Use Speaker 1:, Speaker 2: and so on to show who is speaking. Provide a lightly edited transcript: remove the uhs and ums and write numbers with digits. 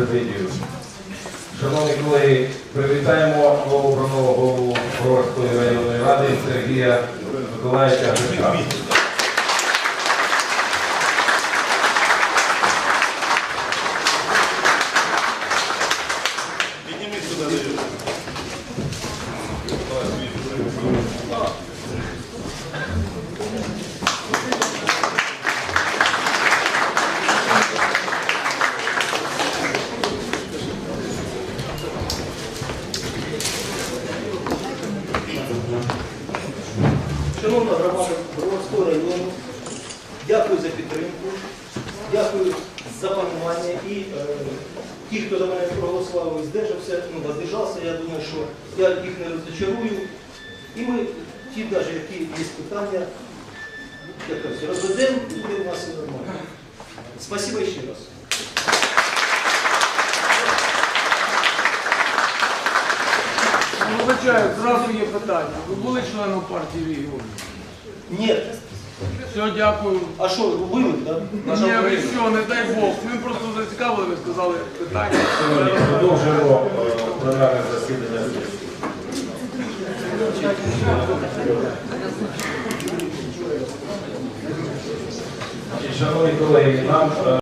Speaker 1: президію. Шановні колеги, привітаємо новообраного голову Броварської районної ради Сергія Миколаївича Гришка.
Speaker 2: Шановна громада Броварського району, дякую за підтримку, дякую за панування і ті, хто за мене проголосував і воздержався, я думаю, що я їх не розчарую. І ми, ті, навіть які є питання, розведемо, і буде у нас все нормально. Спасибо ще раз.
Speaker 3: Вибачаю, зразу є питання. Ви були членом партії регіонів?
Speaker 2: Ні.
Speaker 3: Все, дякую.
Speaker 2: А що, вивик, так?
Speaker 3: Ні, ви що, не дай Бог. Ми просто зацікавили, ви сказали питання.
Speaker 1: Продовжуємо пленарне засідання. Шановні колеги, нам